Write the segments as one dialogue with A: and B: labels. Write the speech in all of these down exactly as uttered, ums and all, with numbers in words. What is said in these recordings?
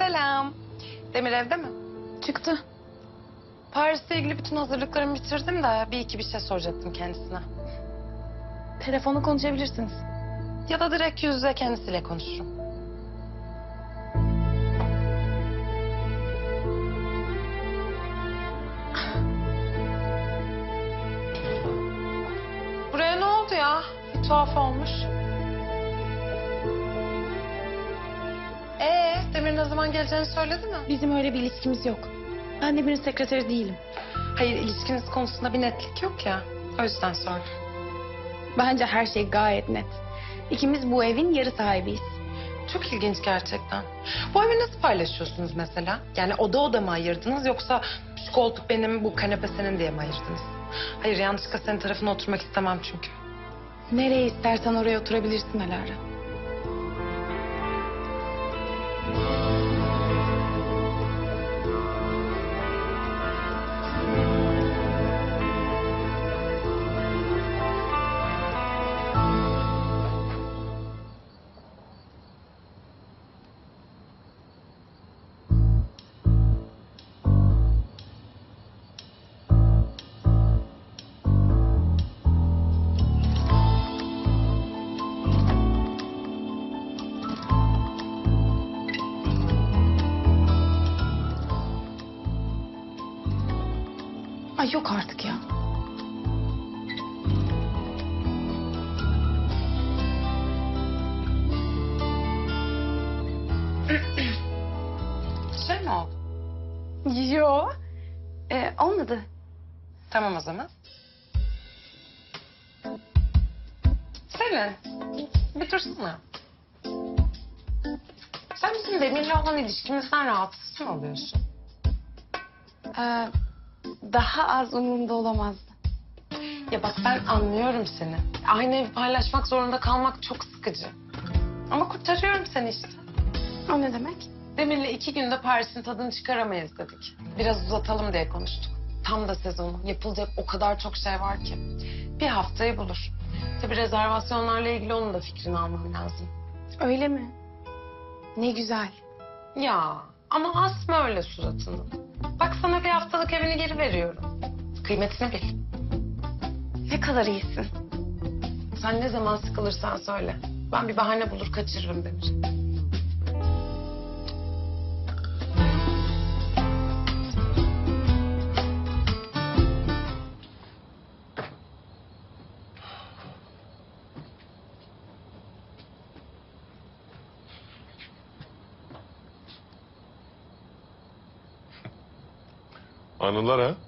A: Selam. Demir evde mi?
B: Çıktı.
A: Paris'le ilgili bütün hazırlıklarımı bitirdim de bir iki bir şey soracaktım kendisine.
B: Telefonu konuşabilirsiniz.
A: Ya da direkt yüz yüze kendisiyle konuşurum. Buraya ne oldu ya? Bir tuhaf olmuş. Ee, Demir ne zaman geleceğini söyledi mi?
B: Bizim öyle bir ilişkimiz yok. Ben Demir'in sekreteri değilim.
A: Hayır, ilişkiniz konusunda bir netlik yok ya. O yüzden sordum.
B: Bence her şey gayet net. İkimiz bu evin yarı sahibiyiz.
A: Çok ilginç gerçekten. Bu evi nasıl paylaşıyorsunuz mesela? Yani oda oda mı ayırdınız yoksa şu koltuk benim, bu kanepe senin diye mi ayırdınız? Hayır, yanlışlıkla senin tarafına oturmak istemem çünkü.
B: Nereye istersen oraya oturabilirsin Alara. Ay yok artık ya.
A: Şey mi oldu?
B: Yo. Ee, olmadı.
A: Tamam o zaman. Selin, bir dursana. Sen bizim Demir'le olan ilişkimizden rahatsız mı oluyorsun?
B: Ee, daha az umurumda olamazdı.
A: Ya bak ben anlıyorum seni. Aynı evi paylaşmak zorunda kalmak çok sıkıcı. Ama kurtarıyorum seni işte.
B: O ne demek?
A: Demir'le iki günde Paris'in tadını çıkaramayız dedik. Biraz uzatalım diye konuştuk. Tam da sezonu. Yapılacak o kadar çok şey var ki. Bir haftayı bulur. Tabii rezervasyonlarla ilgili onun da fikrini almam lazım.
B: Öyle mi? Ne güzel.
A: Ya ama asma öyle suratını. Bak sana bir haftalık evini geri veriyorum. Kıymetini bil.
B: Ne kadar iyisin.
A: Sen ne zaman sıkılırsan söyle. Ben bir bahane bulur kaçırırım Demir.
C: Anılar ha?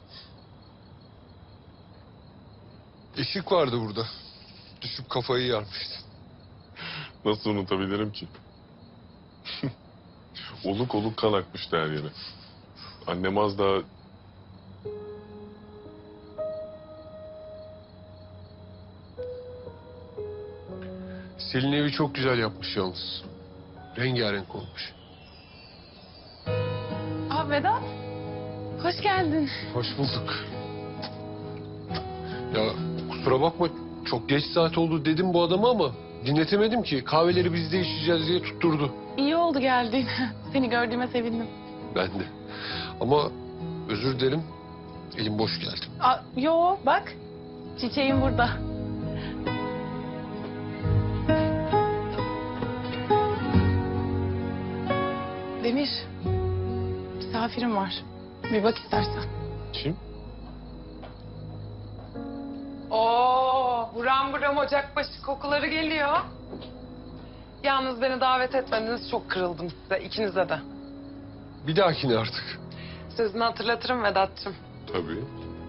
D: Işık vardı burada. Düşüp kafayı yarmıştı.
C: Nasıl unutabilirim ki? oluk oluk kan akmıştı her yere. Annem az daha...
D: Selin evi çok güzel yapmış yalnız. Rengarenk olmuş.
B: Aa Vedat. Hoş geldin.
D: Hoş bulduk. Ya kusura bakma, çok geç saat oldu dedim bu adama ama dinletemedim ki. Kahveleri bizde içeceğiz diye tutturdu.
B: İyi oldu geldiğin. Seni gördüğüme sevindim.
D: Ben de. Ama özür dilerim, elim boş geldim.
B: Aa, yo bak. Çiçeğim burada. Demir. Misafirim var. Bir bak istersen.
C: Kim?
A: Oo, buram buram ocakbaşı kokuları geliyor. Yalnız beni davet etmediniz, çok kırıldım size, ikinize de.
D: Bir dahakine artık.
A: Sözünü hatırlatırım Vedat'cığım.
C: Tabii.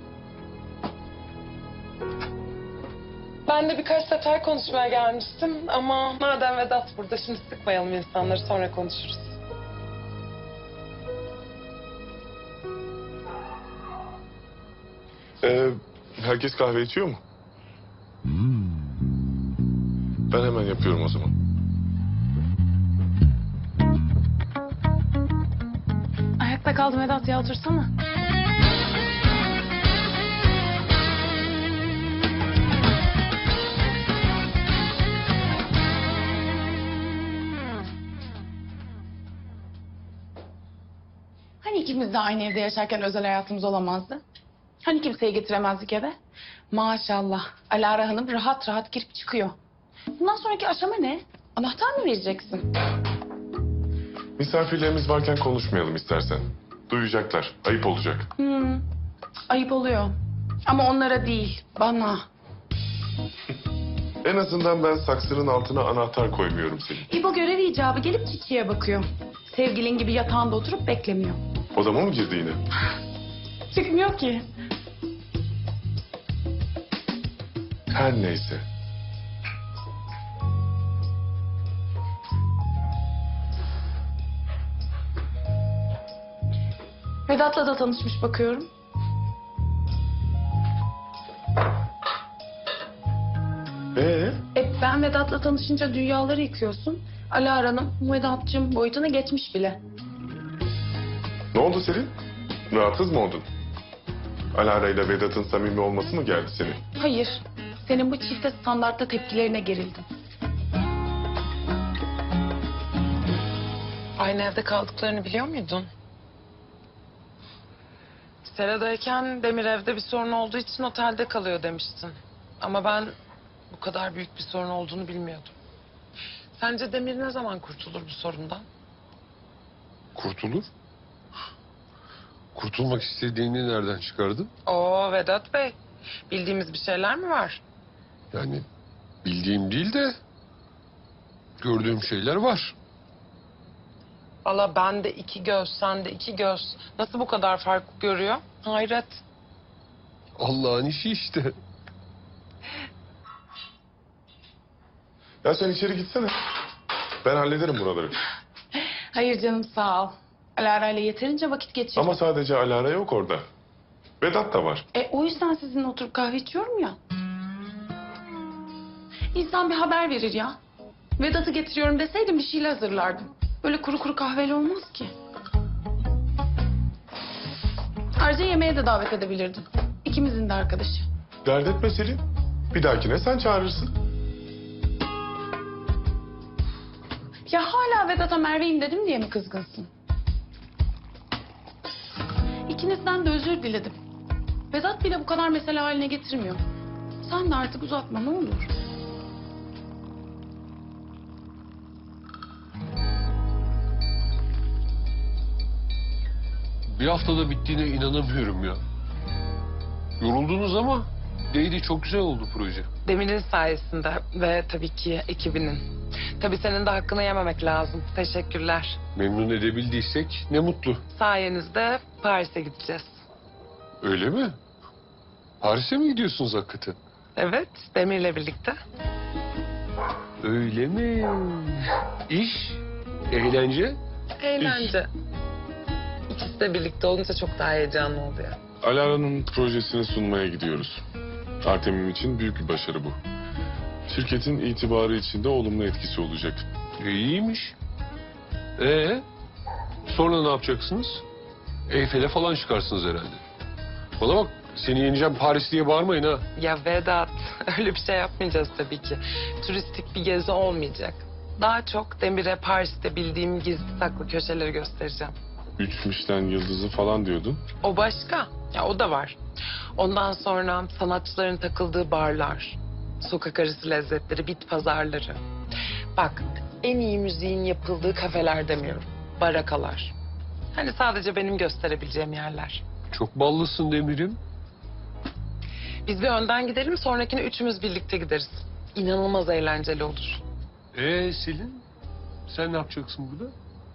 A: Ben de birkaç sefer konuşmaya gelmiştim ama madem Vedat burada, şimdi sıkmayalım insanları, sonra konuşuruz.
C: Ee, herkes kahve içiyor mu? Ben hemen yapıyorum o zaman.
B: Ayakta kaldım Vedat ya, otursana. Hani ikimiz de aynı evde yaşarken özel hayatımız olamazdı? Hani kimseyi getiremezdik eve? Maşallah. Alara Hanım rahat rahat girip çıkıyor. Bundan sonraki aşama ne? Anahtar mı vereceksin?
C: Misafirlerimiz varken konuşmayalım istersen. Duyacaklar. Ayıp olacak.
B: Hmm, ayıp oluyor. Ama onlara değil, bana.
C: En azından ben saksının altına anahtar koymuyorum senin.
B: İbo görev icabı gelip çiçeğe bakıyor. Sevgilin gibi yatağında oturup beklemiyor.
C: Odama mı girdi yine?
B: Çıkmıyor ki.
C: Her neyse.
B: Vedat'la da tanışmış bakıyorum.
C: Ee?
B: E ben Vedat'la tanışınca dünyaları yıkıyorsun. Alara Hanım Vedat'cığım boyutuna geçmiş bile.
C: Ne oldu Selin? Rahatsız mı oldun? Alara ile Vedat'ın samimi olması mı geldi senin?
B: Hayır, senin bu çifte standartta tepkilerine gerildim.
A: Aynı evde kaldıklarını biliyor muydun? Sera'dayken Demir evde bir sorun olduğu için otelde kalıyor demiştin. Ama ben bu kadar büyük bir sorun olduğunu bilmiyordum. Sence Demir ne zaman kurtulur bu sorundan?
D: Kurtulur. Kurtulmak istediğini nereden çıkardın?
A: Oo Vedat Bey, bildiğimiz bir şeyler mi var?
D: Yani bildiğim değil de gördüğüm şeyler var.
A: Valla ben de iki göz, sen de iki göz. Nasıl bu kadar fark görüyor? Hayret.
D: Allah'ın işi işte.
C: Ya sen içeri gitsene. Ben hallederim buraları.
B: Hayır canım sağ ol. Alara ile yeterince vakit geçirdim.
C: Ama sadece Alara yok orada. Vedat da var.
B: E o yüzden sizinle oturup kahve içiyorum ya. İnsan bir haber verir ya. Vedat'ı getiriyorum deseydim bir şeyle hazırlardım. Böyle kuru kuru kahveyle olmaz ki. Ayrıca yemeğe de davet edebilirdim. İkimizin de arkadaşı.
C: Dert etme Selin. Bir dahakine sen çağırırsın.
B: Ya hala Vedat'a Merve'yim dedim diye mi kızgınsın? İkinizden de özür diledim. Vedat bile bu kadar mesele haline getirmiyor. Sen de artık uzatma ne olur.
D: Bir haftada bittiğine inanamıyorum ya. Yoruldunuz ama değdi, çok güzel oldu proje.
A: Demir'in sayesinde ve tabii ki ekibinin. Tabii senin de hakkını yememek lazım. Teşekkürler.
D: Memnun edebildiysek ne mutlu.
A: Sayenizde Paris'e gideceğiz.
D: Öyle mi? Paris'e mi gidiyorsunuz hakikaten?
A: Evet, Demir'le birlikte.
D: Öyle mi? İş, eğlence.
A: Eğlence. İkisi de birlikte olunca çok daha heyecanlı oluyor.
C: Alara'nın projesini sunmaya gidiyoruz. Artemim için büyük bir başarı bu. Şirketin itibarı için de olumlu etkisi olacak.
D: E, iyiymiş. Ee, sonra ne yapacaksınız? Eyfel'e falan çıkarsınız herhalde. Bana bak, seni yeneceğim Paris diye bağırmayın ha.
A: Ya Vedat, öyle bir şey yapmayacağız tabii ki. Turistik bir gezi olmayacak. Daha çok Demir'e Paris'te bildiğim gizli saklı köşeleri göstereceğim.
C: Üç Michelin yıldızı falan diyordun.
A: O başka. Ya o da var. Ondan sonra sanatçıların takıldığı barlar, sokak arası lezzetleri, bit pazarları. Bak, en iyi müziğin yapıldığı kafeler demiyorum. Barakalar. Hani sadece benim gösterebileceğim yerler.
D: Çok ballısın Demir'im.
A: Biz bir önden gidelim, sonrakine üçümüz birlikte gideriz. İnanılmaz eğlenceli olur.
D: Ee Selin, sen ne yapacaksın burada?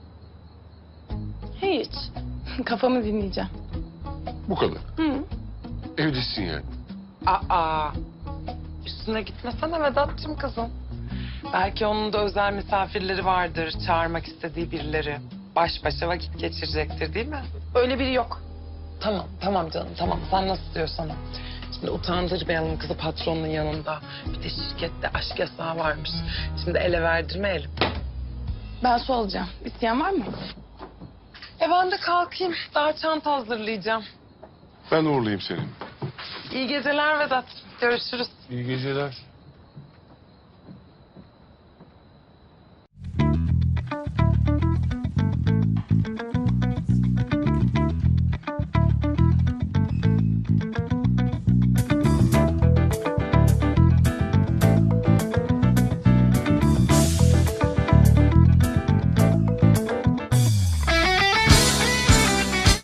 B: Hiç. Kafamı dinleyeceğim.
D: Bu kadar.
B: Hı.
D: Evdesin yani.
A: Aa, üstüne gitmesene Vedat'cığım kızım. Belki onun da özel misafirleri vardır, çağırmak istediği birileri. Baş başa vakit geçirecektir değil mi?
B: Öyle biri yok.
A: Tamam, tamam canım, tamam. Sen nasıl diyorsan o. Şimdi utandırmayalım kızı patronun yanında. Bir de şirkette aşk yasağı varmış. Şimdi ele verdirmeyelim.
B: Ben su alacağım. İsteyen var mı?
A: E ben de kalkayım. Daha çanta hazırlayacağım.
C: Ben uğurlayayım seni.
A: İyi geceler Vedat. Görüşürüz.
D: İyi geceler.